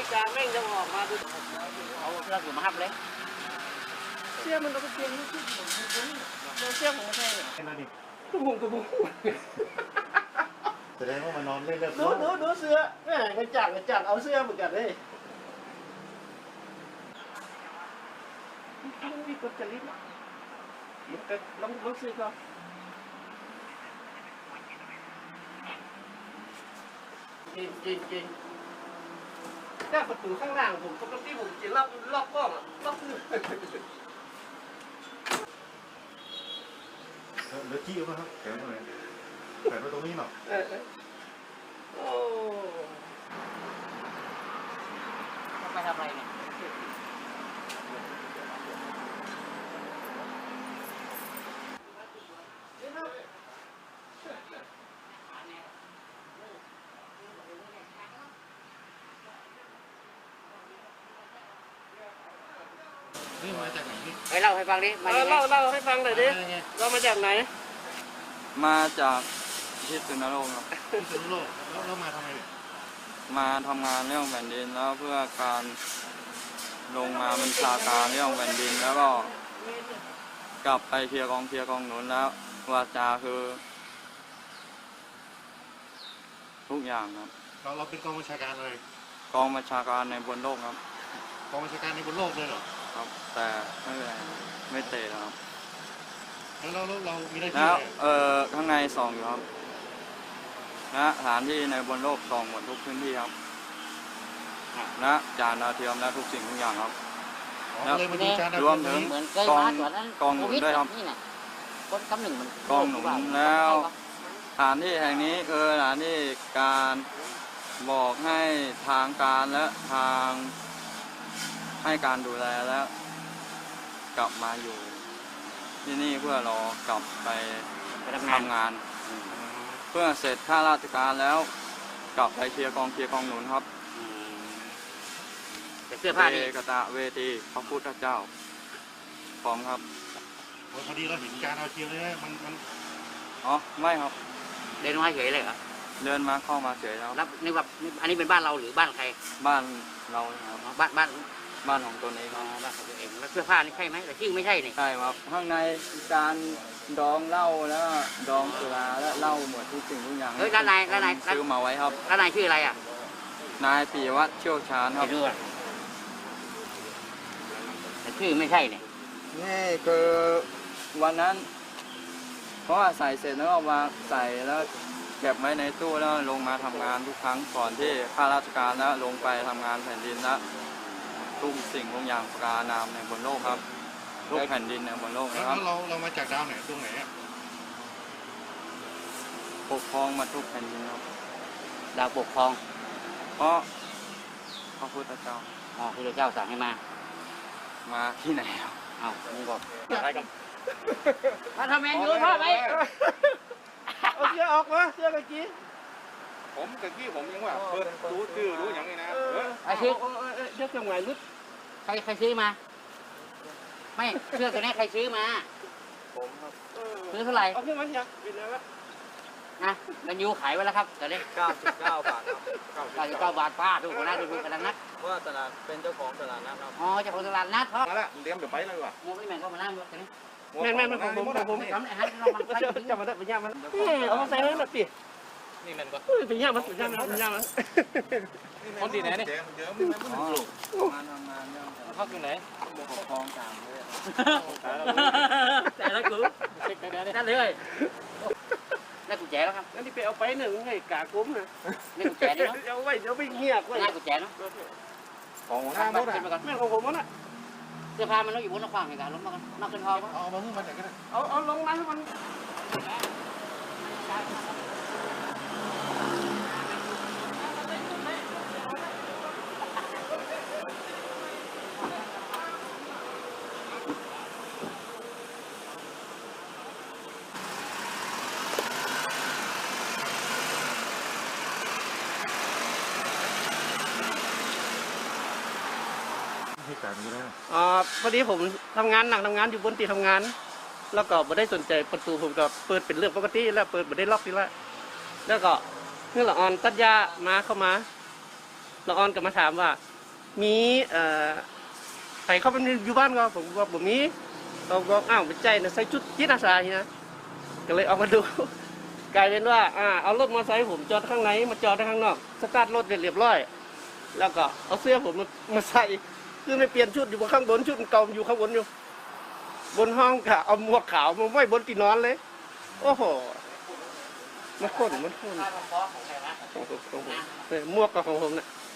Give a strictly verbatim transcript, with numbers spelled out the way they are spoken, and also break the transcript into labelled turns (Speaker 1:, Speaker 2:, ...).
Speaker 1: ฬิกาแม่งจะออกมาดูเอาเราอยู่มาฮับเลยเสื้อมันเราก็เปลี่ยนนี่ที่ผมเสื้อผมไม่ใช่เลยตุ้มหงตุ้มหง
Speaker 2: แสดงว่ามันนอนเล่นเล่น
Speaker 1: ดูดูดูเสื้อแม่กระจักกระจักเอาเสื้อเหมือนกันเลยต้องมีกฎจริตมันก็ลองลองซื้อก่อนกินกินกินแต่ประตูข้างล่างผมปกติผมจะล็อกล็อกกล้องล็อกมือ
Speaker 2: เดี๋ยวจี้มาครับแขวนตรงไหนแขวนไว้ตรงนี้หน่อย
Speaker 1: โอ้ไปทำอะไรเนี่ย
Speaker 2: นี่มาจากไหนนี่
Speaker 1: ไปเล่าให้ฟังดิเออเล่าเล่าให้ฟังหน่อยดิเรามาจากไหน
Speaker 3: มาจากพิษณุโลกครับ
Speaker 2: พิษณุโลกแล้วเรามาทำไมเนี่ย
Speaker 3: มาทำงานเรื่องแผ่นดินแล้วเพื่อการลงมาบัญชาการเรื่องแผ่นดินแล้วก็กลับไปเคลียร์กองเคลียร์กองหนุนแล้ววาจาคือทุกอย่างครับ
Speaker 2: เราเราเป็นกองบัญชาการอะไร
Speaker 3: กองบัญชาการในบนโลกครับ
Speaker 2: กองบัญชาการในบนโลกเลยเหรอ
Speaker 3: ครับแต่ไม่เป็นไรไม่เตะครับ
Speaker 2: แล้วเราเรามีอะไร
Speaker 3: แล้วเอ่อข้างในส่องอยู่ครับนะสถานที่ในบนโลกส่องหมดทุกพื้นที่ครับนะจานดาวเทียมและทุกสิ่งทุกอย่างครับ
Speaker 2: แล้ว
Speaker 3: รวมถึงกองกองหนุนด้วยครับกองหนุนแล้วสถานที่แห่งนี้คือสถานที่การบอกให้ทางการและทางให้การดูแลแล้วกลับมาอยู่ที่นี่เพื่อรอกลับไปทำงานเพื่อเสร็จข้าราชการแล้วกลับไปเคลียร์กองเคลียร์กองหนุนครับ
Speaker 1: เสื้อผ้าดี
Speaker 3: กตะเวทีพระพุทธเจ้าพร้อมครับ
Speaker 2: พอดีเราเห็นการเอาเทียมเลยมันมัน
Speaker 3: อ๋อไม่ครับ
Speaker 1: เดินมาเฉยเลยเหรอ
Speaker 3: เดินมาเข้ามาเฉยแล้ว
Speaker 1: แล้วนี่แบบอันนี้เป็นบ้านเราหรือบ้านใคร
Speaker 3: บ้านเราครับ
Speaker 1: บ้านบ้าน
Speaker 3: บ้านของตนเอง
Speaker 1: อ๋อบ้านของตัวเองแล้วเสื้อผ้านี่ใช่ไหมแต่ชื่อไม่ใช่นี่
Speaker 3: ใช่ครับข้างในการดองเหล้าแล้วดองสุราและเหล้าหมดทุกสิ่งทุกอย่าง
Speaker 1: เฮ้ยแล้วนายแล้วนาย
Speaker 3: ซื้อมาไว้ครับ
Speaker 1: แล้วนายชื่ออะไรอ่ะ
Speaker 3: นายปีวัฒน์เชี่ยวชาญครับ
Speaker 1: แต่ชื่อไม่ใช่เนี่ย
Speaker 3: นี่คือวันนั้นเพราะว่าใส่เสร็จแล้วก็มาใส่แล้วเก็บไว้ในตู้แล้วลงมาทำงานทุกครั้งก่อนที่ข้าราชการแล้วลงไปทำงานแผ่นดินแล้วทุกสิ่งทุกอย่างประการนามในบนโลกครับทุกแผ่นดินในบนโลกนะครับ
Speaker 2: แล้วเราเรามาจากดาวไหนตรงไหนอ่ะ
Speaker 3: ปกครองมาทุกแผ่นดินครับ
Speaker 1: ดาวปกครอง
Speaker 3: เพราะพระพุทธเจ้า
Speaker 1: อ๋อพระเจ้าสั่งให้มา
Speaker 3: มาที่ไหนครับ
Speaker 1: เอามึงบอกอะไรกันมาทำแมนยูพ่อไปเอาเสื้อออกมาเสื้อกะกี้
Speaker 2: ผมกะกี้ผมยังว่าเปิดรู้ชื่อรู้อย่างนี้นะ
Speaker 1: ไอ้ชื่อเสื้อจังหวะรุดใครใครซื้อมาไม่เสื้อตัวนี้ใครซื้อมา
Speaker 3: ผมครับ
Speaker 1: ซื้อเท่าไหร่
Speaker 2: เอาขึ้นมาเนี่ยเป็นแล้ว
Speaker 1: นะแมนยูขายไว้แล้วครับตอนนี้
Speaker 3: เก้าสิบเก้าบาทครับ
Speaker 1: เก้าสิบเก้าบาทป้าทุกคนนะดูดูกันนัด
Speaker 3: ว่าตลาดเป็นเจ้าของตลาดนัดครับ
Speaker 1: อ๋อเจ้าของตลาดนัดครับ
Speaker 2: มาแล้วเลี้ยงเดี๋ยวไปเลยว่ะ
Speaker 1: โมไม่แม่ก็มาล่างด้วยกันนี้
Speaker 2: แม่แม่ผมผมผม
Speaker 1: ทำไอ้ฮัทเรามัน
Speaker 2: จะจะมาได้เป็นย่ามัน
Speaker 1: เอาใส่ไว้แบบปี
Speaker 2: นี่มันก็
Speaker 1: เป็นย่ามันเป็นย่ามันเป็นย่ามัน
Speaker 3: คนดีไหนนี่
Speaker 2: เยอะไม่ไม่ไม่
Speaker 3: ลูกงานทำงานเนี่ย
Speaker 1: เขาอยู่ไหน
Speaker 3: ปกครองต่างเลย
Speaker 1: แต่ละกูนั่นเลยนั่นกุญแจแล้วครับนั่นที่ไปเอาไปหนึ่งให้กาคุ้มนะนี่กุญแจนี่เนาะเอาไว้เดี๋ยวไปเงียบไว้นั่นกุญแจเนาะ
Speaker 2: ของหน้ารถ
Speaker 1: อ่ะแม่ของผมน่ะเสื้อผ้ามันต้องอยู่บนหน้าขวางในการล้มมากันนอกขึ้นห้อง
Speaker 2: เอามาขึ้นมาจากกัน
Speaker 1: เอาเอาลงมาให้มันอ่าพอดีผมทำงานหนักทำงานอยู่บนตีทำงานแล้วก็ไม่ได้สนใจประตูผมก็เปิดเป็นเรื่องปกติแล้วเปิดไม่ได้ล็อกทีละแล้วก็เมื่อละออนตัดยามาเข้ามาละออนก็มาถามว่ามีเอ่อใครเข้าไปอยู่บ้านก็ผมบอกผมมีเราก็อ้าวไปใจนะใส่ชุดจิตอาสาทีนะก็เลยเอามาดู กลายเป็นว่าอ่าเอารถมอเตอร์ไซค์ผมจอดข้างในมาจอดข้างนอกสตาร์ทรถเรียบร้อยแล้วก็เอาเสื้อผมมามาใส่คือไม่เปลี่ยนชุดอยู่บนข้างบนชุดเก่าอยู่ข้างบนอยู่บนห้องค่ะเอาหมวกขาวมาไว้บนที่นอนเลยโอ้โหมันข้นมันข้นของผมหมวกกับของผมเนี่ย